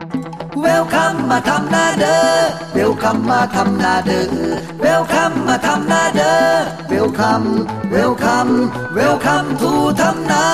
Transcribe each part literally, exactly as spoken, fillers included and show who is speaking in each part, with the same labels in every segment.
Speaker 1: เวลคัมมาทำนาเด้อเวลคัมมาทำนาเด้อเวลคัมมาทำนาเด้อเวลคัมเวลคัมเวลคัมทูทำนา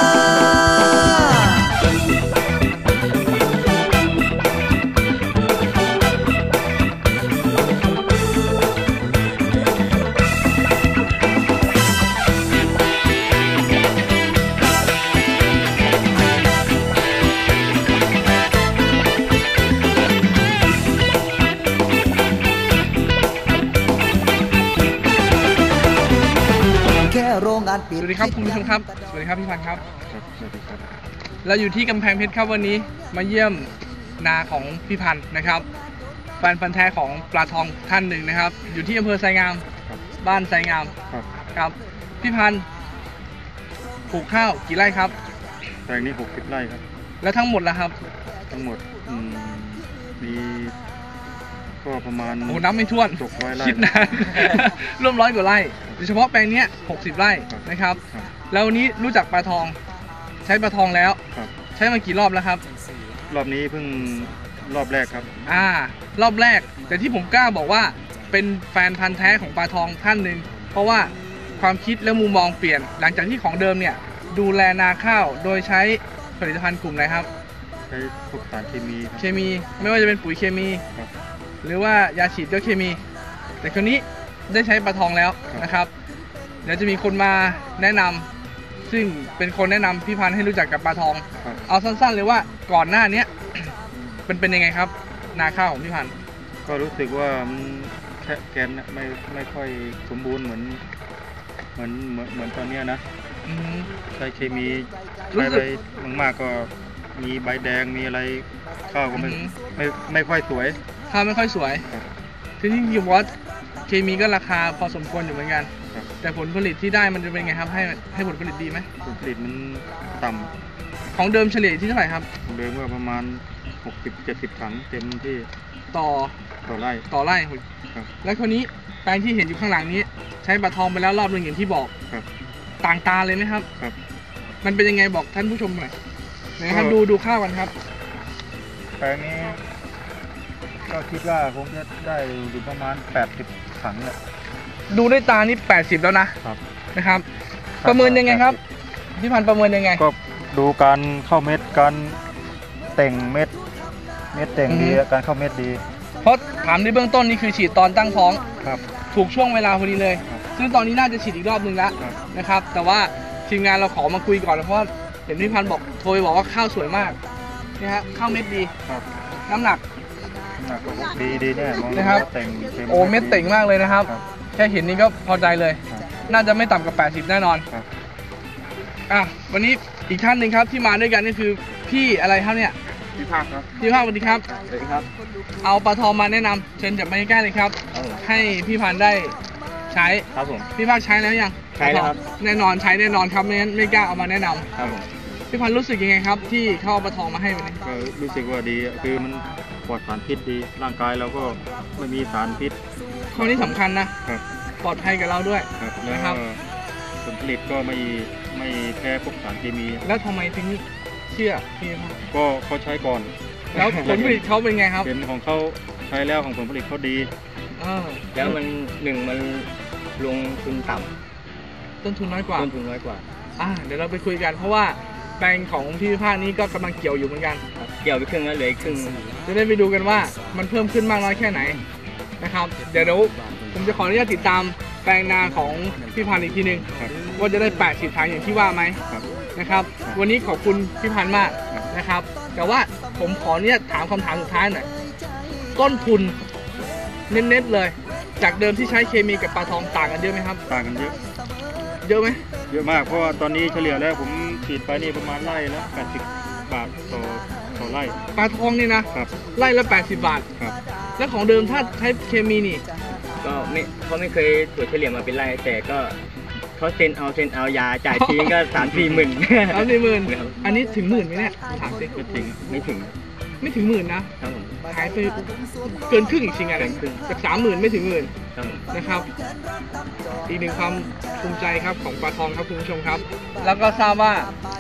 Speaker 2: สวัสดีครับคุณผู้ชมครับสวัสดีครับพี่พันธ์ครับสวัสดีครับเราอยู่ที่กำแพงเพชรครับวันนี้มาเยี่ยมนาของพี่พันธ์นะครับแฟนพันธ์แท้ของปลาทองท่านหนึ่งนะครับอยู่ที่อำเภอไซงามบ้านไซงามครับพี่พันธ์ปลูกข้าวกี่ไร่ครับ
Speaker 3: แปลงนี้หกสิบไร่ครับ
Speaker 2: แล้วทั้งหมดล่ะครับ
Speaker 3: ทั้งหมดมีก็ประมาณ
Speaker 2: โอ้น้ำไม่ถ้วนคิดนานร่วมร้อยกว่าไร่โดยเฉพาะแปลงนี้หกสิบไร่นะครับแล้ววันนี้รู้จักปลาทองใช้ปลาทองแล้วใช้มากี่รอบแล้วครับ
Speaker 3: รอบนี้เพิ่งรอบแรกครับ
Speaker 2: อ่ารอบแรกแต่ที่ผมกล้าบอกว่าเป็นแฟนพันธ์แท้ของปลาทองท่านหนึ่งเพราะว่าความคิดและมุมมองเปลี่ยนหลังจากที่ของเดิมเนี่ยดูแลนาข้าวโดยใช้ผลิตภัณฑ์กลุ่มไหนครับ
Speaker 3: ใช้พวกสารเคมี
Speaker 2: เคมีไม่ว่าจะเป็นปุ๋ยเคมีหรือว่ายาฉีดก็เคมีแต่คราวนี้ได้ใช้ปลาทองแล้วนะครับเดี๋ยวจะมีคนมาแนะนำซึ่งเป็นคนแนะนำพี่พันธ์ให้รู้จักกับปลาทองเอาสั้นๆเลยว่าก่อนหน้านี้เป็นเป็นยังไงครับนาข้าวของพี่พันธ์
Speaker 3: ก็รู้สึกว่ามันแค่แกนไม่ไม่ค่อยสมบูรณ์เหมือนเหมือนเหมือนเหมือนตอนนี้นะใช้เคมีใช้ไปมากๆก็มีใบแดงมีอะไรข้าวก็ไม่ไม่ไม่ค่อยสวย
Speaker 2: ข้าวไม่ค่อยสวยที่ที่ยูวอตเคมีก็ราคาพอสมควรอยู่เหมือนกันแต่ผลผลิตที่ได้มันจะเป็นไงครับให้ให้ผลผลิตดีไหม
Speaker 3: ผลผลิตมันต่ำ
Speaker 2: ของเดิมเฉลี่ยที่เท่าไหร่ครับ
Speaker 3: ของเดิมว่าประมาณหกสิบเจ็ดสิบถังเต็มที่
Speaker 2: ต่อ
Speaker 3: ต่อไร่
Speaker 2: ต่อไร่แล้วคราวนี้แปลงที่เห็นอยู่ข้างหลังนี้ใช้ปลาทองไปแล้วรอบหนึ่งอย่างที่บอกต่างตาเลยไหมครับ
Speaker 3: ครับ
Speaker 2: มันเป็นยังไงบอกท่านผู้ชมหน่อยนะครับดูดูข้าวกันครับ
Speaker 3: แปลงนี้ก็คิดว่าคงจะได้อยู่ประมาณแปดสิบถังเนี่ย
Speaker 2: ดูด้วยตานี่แปดสิบแล้วนะครับนะครับประเมินยังไงครับพี่พันธ์ประเมินยังไง
Speaker 3: ก็ดูการเข้าเม็ดการแต่งเม็ดเม็ดแต่งดีการเข้าเม็ดดี
Speaker 2: เพราะถามในเบื้องต้นนี่คือฉีดตอนตั้งท้อง
Speaker 3: ครับ
Speaker 2: ถูกช่วงเวลาพอดีเลยซึ่งตอนนี้น่าจะฉีดอีกรอบนึงแล้วนะครับแต่ว่าทีมงานเราขอมาคุยก่อนเพราะเห็นพี่พันธ์บอกโทรไปบอกว่าข้าวสวยมากนี่ฮะข้าวเม็ดดีน้ำหนัก
Speaker 3: ดีดีเนี่ย
Speaker 2: นะครับโอ้เม็ดเต่งมากเลยนะครับแค่เห็นนี้ก็พอใจเลยน่าจะไม่ต่ำกว่าแปดสิบแน่นอนอ่ะวันนี้อีกท่านหนึ่งครับที่มาด้วยกันนี่คือพี่อะไรครับเนี่ย
Speaker 3: พี่ภาคครับ
Speaker 2: พี่ภาคสวัสดีครับ
Speaker 3: สวัสดีครับ
Speaker 2: เอาปลาทองมาแนะนำเชิญจับมาใกล้ๆเลยครับให้พี่พันธ์ได้ใช้
Speaker 3: ครับผม
Speaker 2: พี่ภาคใช้แล้วยัง
Speaker 3: ใช้แล้วครับ
Speaker 2: แน่นอนใช้แน่นอนครับไม่งั้นไม่กล้าเอามาแนะนำ
Speaker 3: ครับผม
Speaker 2: พี่พันธ์รู้สึกยังไงครับที่เขาเอาปลาทองมาให้วันนี้
Speaker 3: ก็รู้สึกว่าดีคือมันปลอดสารพิษดีร่างกายเราก็ไม่มีสารพิษ
Speaker 2: ข้อนี้สำคัญนะครับปลอดภัยกับเราด้วย
Speaker 3: นะครับผลผลิตก็ไม่ไม่แพ้พวกสารเคมี
Speaker 2: แล้วทำไมถึงเชื่อพี่ครับ
Speaker 3: ก็เขาใช้ก่อน
Speaker 2: แล้วผลผลิตเขาเป็นไงครับ
Speaker 3: เห็นของเขาใช้แล้วของผลผลิตเขาดี
Speaker 4: แล้วมันหนึ่งมันลงทุนต่
Speaker 2: ำต้นทุนน้อยกว่า
Speaker 4: ต้นทุนน้อยกว่า
Speaker 2: อ่าเดี๋ยวเราไปคุยกันเพราะว่าแปลงของพี่ภาคนี้ก็กำลังเกี่ยวอยู่เหมือนกัน
Speaker 4: เกี่ยวไปครึ่งแล้วเหลือครึ่ง
Speaker 2: จะได้ไปดูกันว่ามันเพิ่มขึ้นมากน้อยแค่ไหนนะครับเดี๋ยวเดี๋ยวผมจะขออนุญาตติดตามแปลงนาของพี่พันธ์อีกทีหนึ่งว่าจะได้แปดสิบถังอย่างที่ว่าไหมนะครับวันนี้ขอบคุณพี่พันธ์มากนะครับแต่ว่าผมขออนุญาตถามคำถามสุดท้ายหน่อยต้นทุนเน้นๆเลยจากเดิมที่ใช้เคมีกับปลาทองต่างกันเยอะไหมครับ
Speaker 3: ต่างกันเยอะ
Speaker 2: เยอะไหม
Speaker 3: เยอะมากเพราะว่าตอนนี้เฉลี่ยแล้วผมฉีดไปนี่ประมาณไร่ละแปดสิบบาทต่อต่อไร่
Speaker 2: ปลาทองนี่นะครับไร่ละแปดสิบบาท
Speaker 3: ครับ
Speaker 2: แล้วของเดิมถ้าใช้เคมีนี่
Speaker 4: ก็ไม่เขาไม่เคยตรวจเฉลี่ยมาเป็นไร่แต่ก็เขาเซ็นเอาเซ็นเอายาจ่ายทีก็สามสี่หมื่น
Speaker 2: สามสี่หมื่นอันนี้ถึงหมื่นไหมเนี่ยถามสิ
Speaker 4: ไม่ถึงไม่ถึง
Speaker 2: ไม่ถึงหมื่นนะหายไปเกินครึ่งอีกจริงอะไรจากสามหมื่นไม่ถึงหมื่นนะครับอีกหนึ่งความภูมิใจครับของปลาทองครับคุณผู้ชมครับแล้วก็ทราบว่า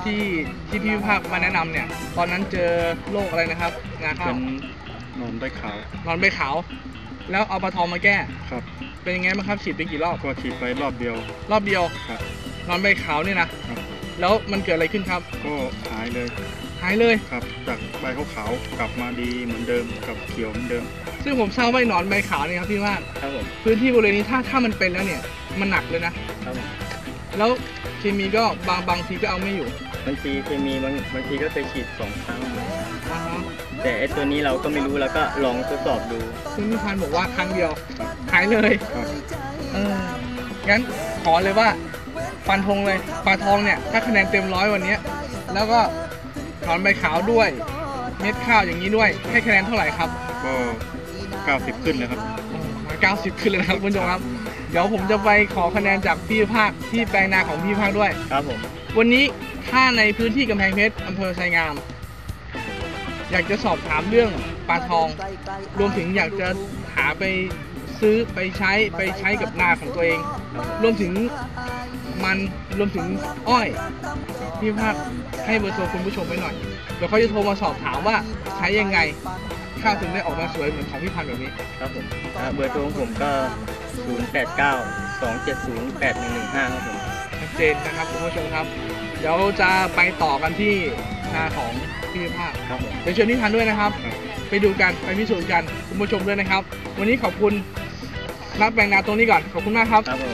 Speaker 2: ที่ที่พี่ภาคมาแนะนำเนี่ยตอนนั้นเจอโรคอะไรนะครับงาข้า
Speaker 3: เป็
Speaker 2: วน
Speaker 3: นอนได้ขาวน
Speaker 2: อนใบขาวแล้วเอาปลาทองมาแก้
Speaker 3: ครับ
Speaker 2: เป็นยังไงบ้างครับฉีดไปกี่รอบ
Speaker 3: ก็ฉีดไปรอบเดียว
Speaker 2: รอบเดียว
Speaker 3: ครับ
Speaker 2: นอนใบขาวเนี่ยนะครับ แล้วมันเกิดอะไรขึ้นครับ
Speaker 3: ก็หายเลย
Speaker 2: หายเลย
Speaker 3: ครับจากใบขาวๆกลับมาดีเหมือนเดิมกับเขียวเหมือนเดิม
Speaker 2: ซึ่งผมทราบว่าหนอนใบขาวเนี่ยครับพี่ภาค
Speaker 4: ครับผม
Speaker 2: พื้นที่บริเวณนี้ถ้าถ้ามันเป็นแล้วเนี่ยมันหนักเลยนะครับ
Speaker 4: ผม
Speaker 2: แล้วเคมีก็บางบางทีก็เอาไม่อยู่
Speaker 4: บางทีเคมีบางบางทีก็เคยฉีดสองครั้ง
Speaker 2: อ่าฮะ
Speaker 4: แต่ไอตัวนี้เราก็ไม่รู้เราก็ลองทดสอบดู
Speaker 2: ซึ่งพี่พันธุ์บอกว่าครั้งเดียวหายเลย
Speaker 3: ครับ
Speaker 2: เอองั้นขอเลยว่าฟันธงเลยปลาทองเนี่ยถ้าคะแนนเต็มร้อยวันเนี้ยแล้วก็หนอนใบขาวด้วยเม็ดข้าวอย่างนี้ด้วยให้คะแนนเท่าไหร่ครับ
Speaker 3: ก็เก้าสิบขึ้นเลยครับ
Speaker 2: มาเก้าสิบขึ้นเลยนะครับคุณผู้ชมครับเดี๋ยวผมจะไปขอคะแนนจากพี่ภาคที่แปลงนาของพี่ภาคด้วย
Speaker 4: ครับผม
Speaker 2: วันนี้ถ้าในพื้นที่กำแพงเพชรอำเภอไชยงาม อยากจะสอบถามเรื่องปลาทอง รวมถึงอยากจะหาไปซื้อไปใช้ไปใช้กับนาของตัวเอง รวมถึงมันรวมถึงอ้อยพี่ภาคให้เบอร์โทรคุณผู้ชมไว้หน่อยเดี๋ยวเขาจะโทรมาสอบถามว่าใช้ยังไงข้าวถึงได้ออกมาสวยเหมือนของพี่พันธุ์แบบนี้
Speaker 4: ครับผมอ่าเบอร์โทรของผมก็ ศูนย์ แปด เก้า สอง เจ็ด ศูนย์ แปด หนึ่ง หนึ่ง ห้า ครับผม
Speaker 2: ชัดเจนนะครับคุณผู้ชมครับ เดี๋ยวจะไปต่อกันที่นาของพี่ภาค
Speaker 4: ครับผม
Speaker 2: เดี๋ยวเชิญพี่พันธุ์ด้วยนะครับ ไปดูกันไปพิสูจน์กันคุณผู้ชมด้วยนะครับ วันนี้ขอบคุณนักแปลงนาตรงนี้ก่อนขอบคุณมากครับ
Speaker 4: ครับผม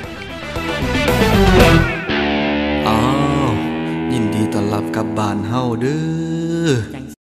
Speaker 1: อ้าวยินดีต้อนรับกลับบ้านเฮาเด้อ